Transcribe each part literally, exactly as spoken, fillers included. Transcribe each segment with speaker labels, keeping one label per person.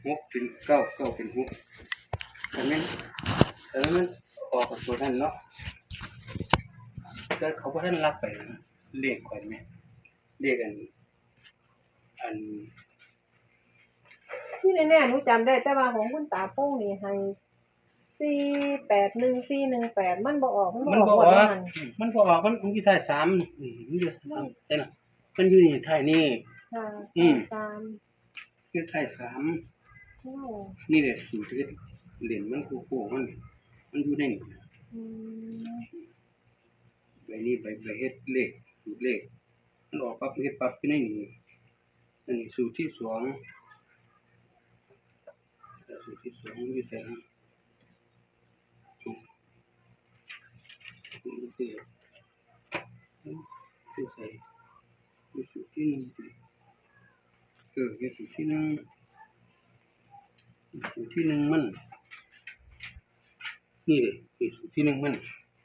Speaker 1: หกเป็นเก้าเก้าเป็นหกแต่นั้นแต่นั้นออกกับตัวนั้นเนาะก็เขาก็ให้รับไปเลขก่อนไหมเลขอันอัน
Speaker 2: ที่แน่ๆหนูจำได้แต่ว่าของคุณตาโป้งนี่ให้สี่แปดหนึ่งสี่หนึ่งแปดมันบ่ออกมันบ่
Speaker 1: มัน
Speaker 2: ออก
Speaker 1: บ่อ
Speaker 2: หมด
Speaker 1: อก
Speaker 2: แล้วมัน
Speaker 1: มันบ่ออกมันมันอยู่ท้ายสามอืมมันอยู่แต่น่ะมันอยู่นี่ท้ายนี่
Speaker 2: ค่ะ
Speaker 1: อืม
Speaker 2: ตาม
Speaker 1: อยู่ท้ายสาม
Speaker 2: โอ้
Speaker 1: นี่แหละสูตรที่เหรียญมันโค้งๆมันมันอยู่ในนี่
Speaker 2: อืม
Speaker 1: ใบนี้ใบใบเฮ็ดเลขสูตรเลขมันออกปั๊บเฮ็ดปั๊บอยู่ในนี่อันนี้สูตรที่สองสูตรที่สองอยู่แต่นะสูตรที่ที่ใส่สูตรที่หนึ่งเออเฮ็ดสูตรที่หนึ่งสูตรที่หนึ่งมันนี่เลยสูตรที่หนึ่งมัน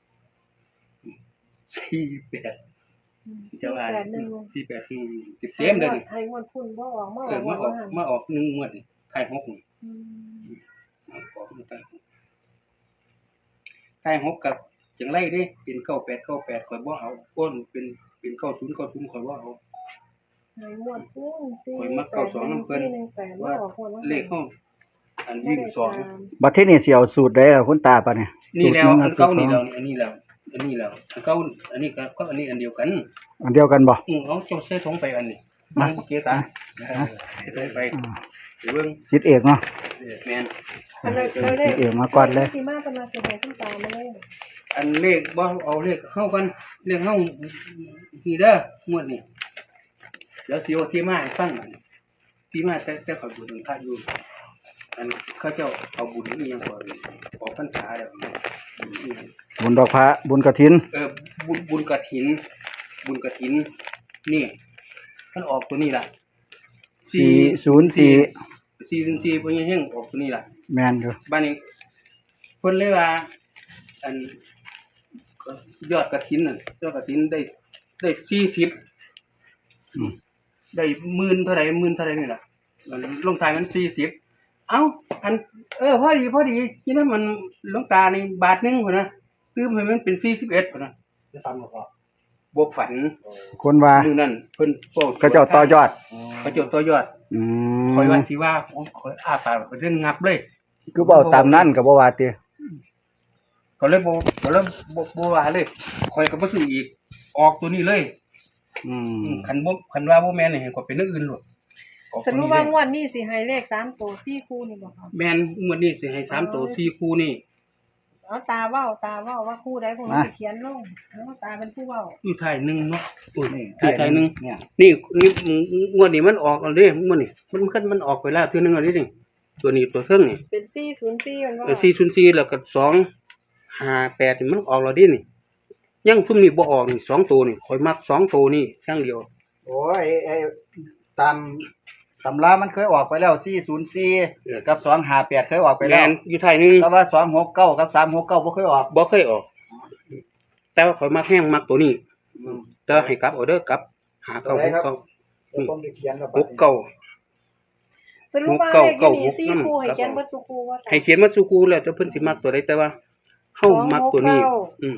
Speaker 1: สี่แปดจะว่า
Speaker 2: แปดหนึ่ง
Speaker 1: สี่แปดที่ติดเต็มเลยนี่
Speaker 2: ให้งวดคุณบ่ออกมาอ
Speaker 1: เอ
Speaker 2: อ
Speaker 1: อก มาออก
Speaker 2: ว่า
Speaker 1: มาออกหนึ่งงวดนี่ไข่หกนี่
Speaker 2: อืม
Speaker 1: มาออกมาไข่หกไข่หกกับจังไรเด้เป็นเก้าแปดเก้าแปดข่อยบ่เอาก้นเป็นเป็นเก้าศูนย์เก้าศูนย์ข่อยบ่เอา
Speaker 2: ให้งวดคุณสี่
Speaker 1: ข่อยมักเก้าสองนำเพิ่น
Speaker 2: สี่หนึ่งแปดบ่
Speaker 1: ว่า
Speaker 2: ออกหมดแล้ว
Speaker 1: เลขเฮาอันวิ่งสอง
Speaker 3: บัดที่นี่สิเอาสูตรใดล่ะคุณตาปะเนี่ย
Speaker 1: นี่แล้ว
Speaker 3: สูตรห
Speaker 1: อั
Speaker 3: ง
Speaker 1: นเก่า
Speaker 3: สูตร
Speaker 1: นี่
Speaker 3: ส
Speaker 1: แล้ว
Speaker 3: อง
Speaker 1: อันนี้แล้วอันนี้แล้วอันเก่าอันนี้ก็ก็อันนี้อันเดียวกัน
Speaker 3: อันเดียวกันบ่
Speaker 1: อือเอาเจ้าใส่ถุงไปอันนี้มันเกียร์ตาเออใส่ไปเดี๋ยวเบิ่ง
Speaker 3: สิทธิ์เอกเนาะ
Speaker 1: แม่น
Speaker 2: อันเราเราได้
Speaker 3: สิทธิ์เอกมาก่อนเลย
Speaker 2: ที่มาเป็นมาสิให้คุณตามาเลย
Speaker 1: อันเลขบ่เอาเลขเฮากันเลขเฮาทีเด้องวดนี้เดี๋ยวสิเอาที่มาให้ฟังอันที่มาแต่แต่เขาบุญพระอยู่อันเขาเจ้าเอาบุญนี่ยังบ่ออกพรรษาแล้วบุญนี่
Speaker 3: บุญดอกพระบุญกฐิน
Speaker 1: เออบุญบุญกฐิน บุญกฐินนี่มันออกตัวนี้ล่ะ
Speaker 3: สี่ศูนย์สี่
Speaker 1: สี่ศูนย์สี่เพิ่นยังออกตัวนี้ล่ะ
Speaker 3: แม่นอยู่
Speaker 1: บ้านนี้เพิ่นเลยว่า อันยอดกฐินน่ะยอดกฐินได้ได้สี่สิบ
Speaker 3: อืม
Speaker 1: ได้หมื่นเท่าไหร่หมื่นเท่าไหร่นี่ล่ะมันลงท้ายมันสี่สิบเอ้าอันเออพอดีพอดีที่นั้นมันหลวงตานี่บาทหนึงพุ่นนะคือให้มันเป็นสี่สิบเอ็ดพุ่นนะได้ฟังบ่พอบ่ฝัน
Speaker 3: คนว่า
Speaker 1: มื้อนั้นเพิ่นเว้า
Speaker 3: เขาเจ้าต่อยอด
Speaker 1: เขาเจ้าต่อยอด
Speaker 3: อื
Speaker 1: คอย
Speaker 3: ม
Speaker 1: ว่าสิว่าโอ้ขอยอาปากไปเรื่องงับเลย
Speaker 3: คือเว้าตามนั้นก็บ่ว่าติ
Speaker 1: ก็เลยบ่ก็เลยบ่บ่ว่าเลยคอยก็บ่ซื้ออีกออกตัวนี้เลย
Speaker 3: อืม
Speaker 1: คันบ่คันว่าบ่แม่นนี่ให้ก็เป็นอย่างอื่นโลดออก
Speaker 2: ส
Speaker 1: ตัว
Speaker 2: รุป
Speaker 1: นี้
Speaker 2: ว่า
Speaker 1: เลย
Speaker 2: งวดนี้สิให้เลขสามตัวสี่คู่นี่บ่ครับ
Speaker 1: แม่นงวดนี้สิให้สามตัวสี่คู่นี่
Speaker 2: เอาตาเว้าตาเว้าว่าคู่ใดคู่นึงสิเขียนลงแล้วตาเป็นผู้เว้า
Speaker 1: อยู่ท้ายหนึงเนาะอุ้ย
Speaker 3: นี่
Speaker 1: ท้ายหนึง
Speaker 3: เนี่ย
Speaker 1: นี่นี่งวดนี้มันออกแล้วเด้งวดนี้มันมันมันออกไปแล้วเทื่อนึงแล้วนี่ตัวนี้ตัวเทิงนี่
Speaker 2: เป็นสี่ศูนย์สี่มันว่า
Speaker 1: เออสี่ศูนย์สี่แล้วก็สองห้าแปดนี่มันออกแล้วดินี่ยังซุ่มนี่บ่ออกนี่สองตัวนี่ข่อยมักสองตัวนี่อย่างเดียว
Speaker 3: โอ้ยไอ้ตามตำรามันเคยออกไปแล้วสี่ศูนย์สี่กับสองห้าแปดเคยออกไป
Speaker 1: แม
Speaker 3: แล้ว
Speaker 1: นอยู่ไทยนึง
Speaker 3: แต่ว่าสองหกเก้ากับสามหกเก้าบ่เคยออก
Speaker 1: บ่เคยออก แต่ว่าข่อยมักแห้งมักตัวนี้
Speaker 3: อืม
Speaker 1: แต่ให้กลับเอาเด้อกลับ หาเก้าหกเก้า
Speaker 3: เดี๋ยวผมจะเขียนแล้ว
Speaker 1: หกเก้า
Speaker 2: สรุปว่า
Speaker 1: เก้า
Speaker 2: เลข
Speaker 1: เก้า
Speaker 2: อยู่นี่สี่
Speaker 1: หก
Speaker 2: คู่ให้
Speaker 1: ครับ
Speaker 2: เขียนเบิดสุคู่ว่า
Speaker 1: ให้เขียนมาสู่ครูแล้วแต่เพิ่นสิมักตัวใดแต่ว่าเฮามักตัวนี้
Speaker 2: สองหกเก้า
Speaker 1: อืม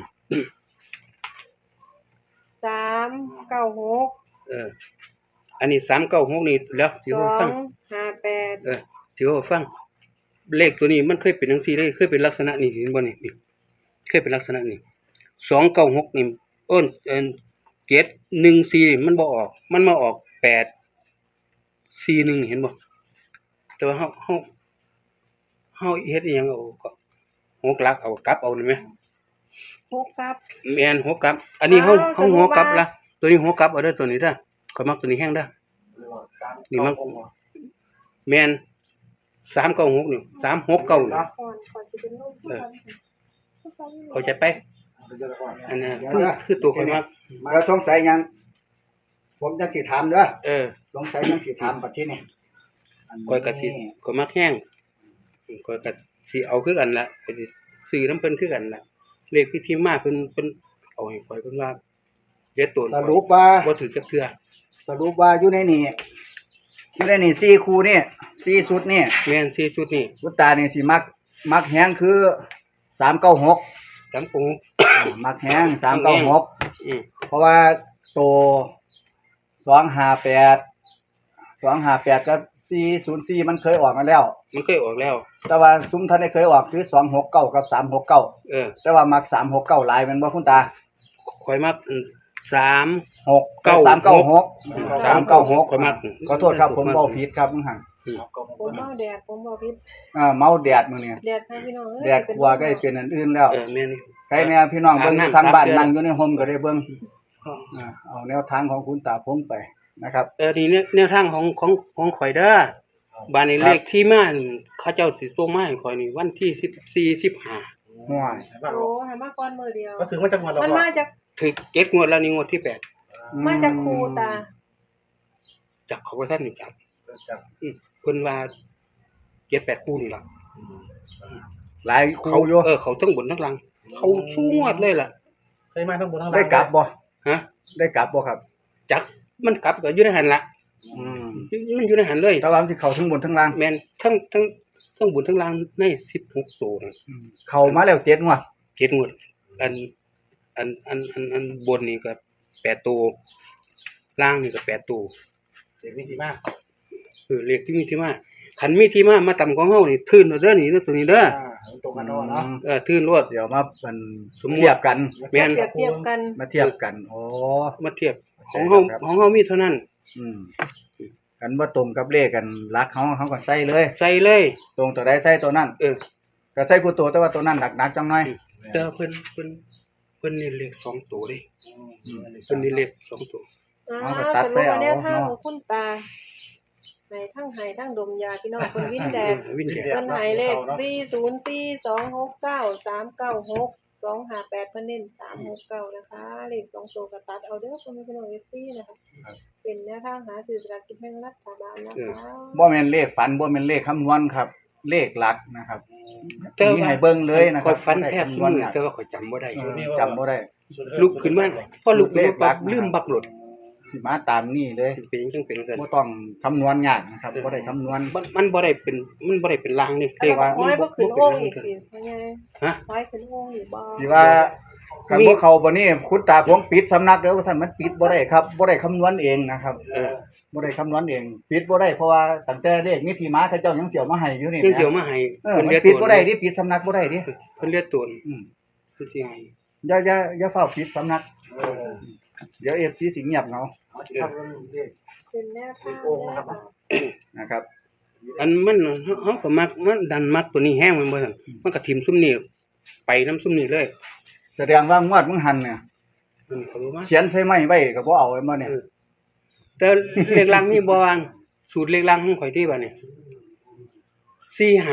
Speaker 2: สามเก้าหก
Speaker 1: เออ อันนี้สามเก้าหกนี่แล้วสิ
Speaker 2: สอ
Speaker 1: ว่าฟั
Speaker 2: ง
Speaker 1: ง
Speaker 2: ห้าแปด
Speaker 1: เออสิว่าฟัง เลขตัวนี้มันเคยเป็นจังซี่เลยเคยเป็นลักษณะนี้เห็นบ่นี่นี่เคยเป็นลักษณะนี้สองเก้าหกนี่เอิ้นเอิ้นเจ็ดหนึ่งสี่นี่มันบ่ออก มันมาออกแปดสี่หนึ่งเห็นบ่แต่ว่าเฮาเฮาเฮาเฮ็ดอีหยังเอาก็หกหลักเอากลับเอาได้ไหม
Speaker 2: หกครับ
Speaker 1: แม่นหัวกลับ อันนี้เฮา
Speaker 2: อ้าว
Speaker 1: เฮาหัวกลับ
Speaker 2: สรุปว่า
Speaker 1: ละตัวนี้หัวกลับเอาเด้อตัวนี้เด้อข้อยมักตัวนี้แฮงเด้อนี่มันแม่นสามเก้าหกนี่สามหกเก้านี่
Speaker 2: ก่อนก่อนสิเป็นลูก
Speaker 1: เออ เข้าใจไปอันนั้นคือคือตัวข้อยมัก
Speaker 3: แล้วสงสัยหยัง ผมจะสิถามเด้อ
Speaker 1: เออ
Speaker 3: สงสัยหยังสิถามบัดทีนี้
Speaker 1: ข้อยก็สิข้อยมักแฮงข้อยก็สิเอาคือกันล่ะก็สิซื้อนำเพิ่นคือกันล่ะเลขที่ที่มาเพิ่นเพิ่นเอาให้ข้อยเพิ่นว่าเด็ดตัว
Speaker 3: สรุปว่า
Speaker 1: บ่ถือจักเทื่อ
Speaker 3: สรุปว่าอยู่ในนี่อยู่ในนี่สี่คู่นี่สี่ชุดนี่
Speaker 1: แม่นสี่ชุดนี่
Speaker 3: คุณตานี่สิมักมักแฮงคือสามเก้าหก
Speaker 1: สามปู
Speaker 3: มักแฮงสามเก้าหก
Speaker 1: อืม
Speaker 3: เพราะว่าตัวสองห้าแปดสองห้าแปดกับสี่ศูนย์สี่มันเคยออกมาแล้ว
Speaker 1: มันเคยออกแล้ว
Speaker 3: แต่ว่าซุ้มท่านได้เคยออกคือสองหกเก้ากับสามหกเก้า
Speaker 1: เออ
Speaker 3: แต่ว่ามักสามหกเก้าหลายแมันบ่คุณตา
Speaker 1: ข่อยมักสาม
Speaker 3: หก
Speaker 1: เก้า
Speaker 3: สามเก้าหกสามเก้าหก
Speaker 1: ข่อยมัก
Speaker 3: ขอโทษครับผมเว้าผิดครับมึงหัง
Speaker 2: ผมเมาแดดผมบ่ผิด
Speaker 3: อ่าเมาแดดมื้อนี้
Speaker 2: แดดค่ะพี่น้องเอ้ย
Speaker 3: แดดกลัวก็ให้เป็นอันอื่นแล้ว
Speaker 1: เออแม่น
Speaker 3: ใครแน่พี่น้องเบิ่งอยู่ทางบ้านนั่งอยู่ในโฮมก็ได้เบิ่ง
Speaker 1: อ๋อ
Speaker 3: อ่าเอาแนวทางของคุณตาพงไปนะครับ
Speaker 1: เออทีนี้แนวทางของของของข่อยเด้อบ้านนี้เลขที่มานี่เขาเจ้าสิส่งมาให้ข่อยนี่วันที่สิบสี่ สิบห้า
Speaker 3: ห่วย
Speaker 2: โอ้ให้มาก่อนมื้อเดียว
Speaker 4: ก็ถึงว่าจังหวัดเรา
Speaker 2: มันมาจาก
Speaker 1: ถึกเจ็ดงวดแล้วนี่งวดที่แปด
Speaker 2: มาจากครูตา
Speaker 1: จากเขาก็ท่านนี่จับ
Speaker 4: จับ
Speaker 1: อืมเพิ่นว่าเจ็ดแปดคู่นี่ล่ะ
Speaker 3: หลายครู
Speaker 1: เขา
Speaker 3: อยู่
Speaker 1: เออเขาทั้งบนทั้งล่างเขาสู้งวดเลยล่ะ
Speaker 4: เคยมาทั้งบนทั้งล่าง
Speaker 3: ได้กลับบ่
Speaker 1: ฮะ
Speaker 3: ได้กลับบ่ครับ
Speaker 1: จักมันกลับก็อยู่ในหันละ
Speaker 3: อืม
Speaker 1: มันอยู่ในหันเลย
Speaker 3: แต่ว่ามันสิเข้าทั้งบนทั้งล่าง
Speaker 1: แม่นทั้งทั้งทั้งบนทั้งล่างในสิบหกตัวนั่น
Speaker 3: อืมเข้ามาแล้วเจ็ดงวด
Speaker 1: เจ็ดงวดอันอันอันอันอันบนนี่ก็แปดตัวล่างนี่ก็แปดตัว
Speaker 4: เด็กวิธีมาก
Speaker 1: เออเลขที่มีที่มาคันมีที่มามาต่ำของเฮานี่ทื่นเอาเด้อนี่เด้อตัวนี้เด้อ
Speaker 4: อ่าตรงกันเนาะเนาะ
Speaker 1: เออทื่นรวด
Speaker 3: เดี๋ยวมามัน
Speaker 1: สมมุติ
Speaker 3: เทียบกัน
Speaker 1: แม่น
Speaker 2: เปรียบเทียบกัน
Speaker 3: มาเทียบกันโอ้
Speaker 1: มาเทียบของเฮาของเฮามีเท่านั้น
Speaker 3: อืมกันบ่ตรงกับเลขกันรักเขาเขาก็ใส่เลย
Speaker 1: ใส่เลย
Speaker 3: ตรงตัวใดใส่ตัวนั้น
Speaker 1: เออ
Speaker 3: ก็ใส่กูตัวแต่ว่าตัวนั้นหนักๆจังหน่อย
Speaker 1: แต่ว่าเพิ่นเพิ่นเพิ่นนี่เลขสองตัวเด้
Speaker 3: อืม
Speaker 1: เพิ่นนี่เลขสองตัว
Speaker 2: อ่า
Speaker 3: เอาไปตัด
Speaker 2: ส
Speaker 3: ใส่
Speaker 2: รุป
Speaker 3: เอา
Speaker 2: ว่าแนวทาง
Speaker 3: เนาะ
Speaker 2: ของคุณตาในทั้งไห้ทั้งดมยาพี่น้องคนวินแดด
Speaker 1: วินแดด
Speaker 2: เพิ่นไห้เลขสี่ศูนย์สี่ สองหกเก้า สามเก้าหก สองห้าแปดเพิ่นเน้นสามหกเก้านะคะ เลขสองตัวก็ตัดเอาเด้อคุณพี่น้อง เอฟ ซี นะคะเป็นแนวทางหาซื้อสลากกินแบ่งรัฐบาลนะคะ
Speaker 3: บ่แม่นเลขฝันบ่แม่นเลขคำนวณครับ เลขหลักนะครับ
Speaker 1: แต่
Speaker 3: มีให้เบิ่งเลยนะค
Speaker 1: ข่
Speaker 3: รั
Speaker 1: อบ ยฝันแทบทุกมื้อ
Speaker 3: บ่
Speaker 1: แต่
Speaker 3: ได้
Speaker 1: ว่าข่อยจำบ่ได้
Speaker 3: คำนวณเออจำบ่ได้
Speaker 1: ลุกขึ้นมาพอลุกขึ้นมาปั๊บลืมบักหลด
Speaker 3: สิมาตามนี่เลย
Speaker 1: เป็นจังเป็นจังซั่น
Speaker 3: บ่ต้องคำนวณยากนะครับบ่ได้คำนวณ
Speaker 1: มันมันบ่ได้เป็นมันบ่ได้เป็นลางนี่
Speaker 2: แต่
Speaker 1: เรียก
Speaker 2: ว่า
Speaker 1: ว่า
Speaker 2: ห้อย
Speaker 1: มั
Speaker 2: บ่
Speaker 1: น
Speaker 2: ขึ้น
Speaker 1: บ่
Speaker 2: โอ่ง
Speaker 1: เป็น
Speaker 2: อีก
Speaker 1: ลาง
Speaker 2: สิเป็นไง
Speaker 1: ฮะ
Speaker 2: ห้อยขึ้นโอ่งอีกบ่
Speaker 3: สิว่ากันบ่เข้าบ่นี่คุณตาผมปิดสำนักเด้อว่าซั่นมันปิดบ่ได้ครับบ่ได้คำนวณเองนะครับ
Speaker 1: เออ
Speaker 3: บ่ได้คำนวณเองปิดบ่ได้เพราะว่าตั้งแต่เลขมีที่มาเขาเจ้ายังเสียวมาให้อยู่นี่
Speaker 1: ยัง
Speaker 3: นะ
Speaker 1: เกี่ยวมาให้
Speaker 3: เออ
Speaker 1: เพิ่น
Speaker 3: มัน
Speaker 1: เรียก
Speaker 3: ปิด
Speaker 1: ตัว
Speaker 3: บ่ได้ดิปิดสำนักบ่ได้ดิ
Speaker 1: เพิ่นเรียกตัว
Speaker 3: อืม
Speaker 1: เพิ่นสิให้
Speaker 3: อย่าอย่าอย่าเฝ้าปิดสำนัก
Speaker 4: เออ
Speaker 3: เดี๋ยว เอฟ ซี สิเงียบเหงา
Speaker 4: เอาที่ทำเรื่องเลข
Speaker 2: เป็นแนวทาง
Speaker 4: โอ่งนะครับ
Speaker 3: นะครับ
Speaker 1: อันมันเฮาเฮาก็มักมันดันมักตัวนี้แห้งมันบ่ซั่นมันก็ทิ่มซุมนี้ไปนํซุมนี้เลย
Speaker 3: แสดงว่างวดมึงหันเนี่ย
Speaker 1: มันเขารู้มา
Speaker 3: เขียนใส่ไม้ไว้ก็บ่เอาไว้บ่เนี่ย
Speaker 1: แต่เลขล่างนี่บ่วางสูตรเลขล่างของข่อยที่บัดนี้สี่ห้า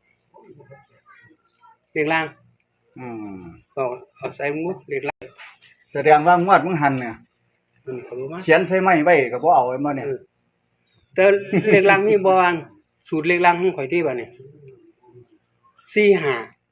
Speaker 1: เลขล่าง
Speaker 3: อืม
Speaker 1: ก็เอาใส่หมดเลขล่าง
Speaker 3: แสดงว่างวดมึงหันเนี่ย
Speaker 1: มันเขารู้มา
Speaker 3: เขียนใส่ไม้ไว้ก็บ่เอาไว้บ่เนี่ย
Speaker 1: แต่เลขล่างนี่บ่วางสูตรเลขล่างของข่อยที่บัดนี้สี่ห้า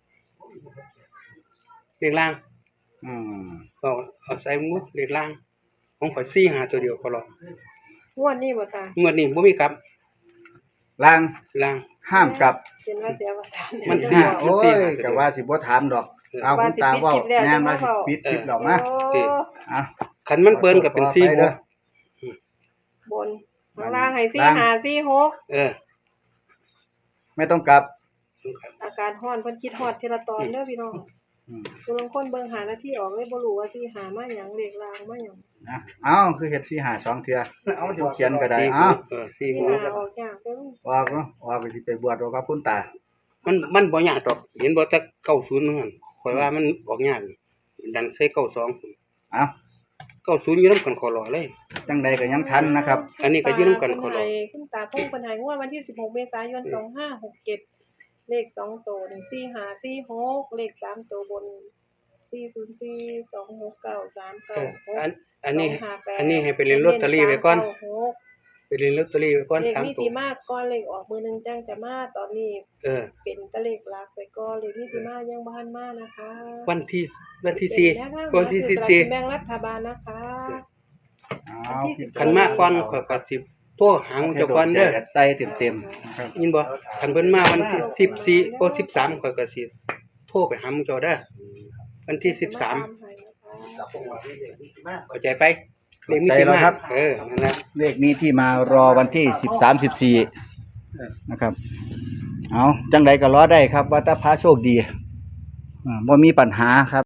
Speaker 1: เลขล่าง
Speaker 3: อืม
Speaker 1: ก็เอาใส่หมดเลขล่างของข่อยสี่ห้าตัวเดียวพอหรอก
Speaker 2: งวดนี้บ่ตาง
Speaker 1: วดนี้บ่มีกลับ
Speaker 3: ล่าง
Speaker 1: ล่าง
Speaker 3: ห้ามกลับ
Speaker 2: เป็นว่าเสียภาษา
Speaker 1: มั
Speaker 2: มัน
Speaker 1: สี่
Speaker 3: โอ้ยก็ว่าสิบ่ถามดอก เอาคุณตาเว้าแม่นว่าสิปิดคลิปดอกนะ
Speaker 2: โอ้
Speaker 3: อ่ะ
Speaker 1: คันมันเปิ้นก็เป็นสี่หก
Speaker 2: บนข้างล่างให้สี่ห้าสี่หก
Speaker 1: เออ
Speaker 3: ไม่ต้องกลับ
Speaker 2: อาการฮ้อนเพิ่นคิดฮอดทีละตอนเด้อพี่น้อง
Speaker 3: อืม
Speaker 2: ผู้ลางคนเบิ่งหาหน้าที่ออกเลยบ่รู้ว่าสิหามาหยังเลขลางมาหยัง
Speaker 3: นะเอ้าคือเฮ็ดสี่ห้าสองเทื่อ
Speaker 4: เอาที่
Speaker 3: เขียนก็ได้
Speaker 1: สี่ห
Speaker 3: เอ้าก
Speaker 1: เออสี่ห
Speaker 2: สิ
Speaker 1: ก
Speaker 2: หาออกยากเด้อ
Speaker 3: ออกเนาะออกก็สิไปบวชเอากับคุณตา
Speaker 1: มันมันบ่ยากดอกเห็นบ่แต่เก้าศูนย์นั่นข่อยว่ามันออกยากดันใส่เก้าสอง
Speaker 3: เอ้า
Speaker 1: เก้าศูนย์อยู่นำกันขอรอเลย
Speaker 3: จังใดก็ยังทันนะครับ
Speaker 1: อันนี้ก็อยู่นำกันขอรอ
Speaker 2: คุณตาพงเพิ่นให้งวดวันที่สิบหกเมษายนสองห้าหกเจ็ดเลขสองตัวนี่สี่ห้าสี่หกเลขสามตัวบนสี่ศูนย์สี่ สองหกเก้า สาม
Speaker 1: เอ
Speaker 2: เก้า
Speaker 1: อ
Speaker 2: หก
Speaker 1: อันอันนี้
Speaker 2: สงห้าแปด
Speaker 1: อันนี้ให้ไปเล่นลอตเตอรี่ไว้ก่อน
Speaker 2: เน้นสามเก้าหก
Speaker 1: ไปเล่นลอตเตอรี่ไว้ก่อน
Speaker 2: เลข
Speaker 1: สาม
Speaker 2: นี้
Speaker 1: ตัว
Speaker 2: ที่มากก่อนเลขออกมือหนึงจังจะมาตอนนี้
Speaker 1: เออ
Speaker 2: เป็นตะเลขหลักไปก่อนเลขนี้ที่มายังบ่ทันมานะคะ
Speaker 1: วันที่วันที่สี่
Speaker 2: เป็นแนวทาง
Speaker 1: วันที่
Speaker 2: หา
Speaker 1: สิบ
Speaker 2: ซื้อสลาก
Speaker 1: สี่
Speaker 2: กินแบ่งรัฐบาลนะคะ
Speaker 3: เอา
Speaker 2: วันที่สิบ
Speaker 1: คันมาก่อนข่อยก็สิโทรหาเจ้าก่อนเด้อ
Speaker 3: ใส่เต็มๆนะครับ
Speaker 1: ยินบ่คันเพิ่นมาวันที่สิบสี่โอ้สิบสามข้อยก็สิโทรไปหาหมู่เจ้าเด้อวันที่สิบสาม
Speaker 4: กับพวกเราที่เด็กวิธีมาก
Speaker 1: เข้าใจไปเลขมีที่มาเออนั่นนะ
Speaker 3: เลขนี้ที่มารอวันที่สิบสามสิบสี่นะครับ เอาจังใดก็รอได้ครับว่าถ้าพระโชคดีอ่าบ่มีปัญหาครับ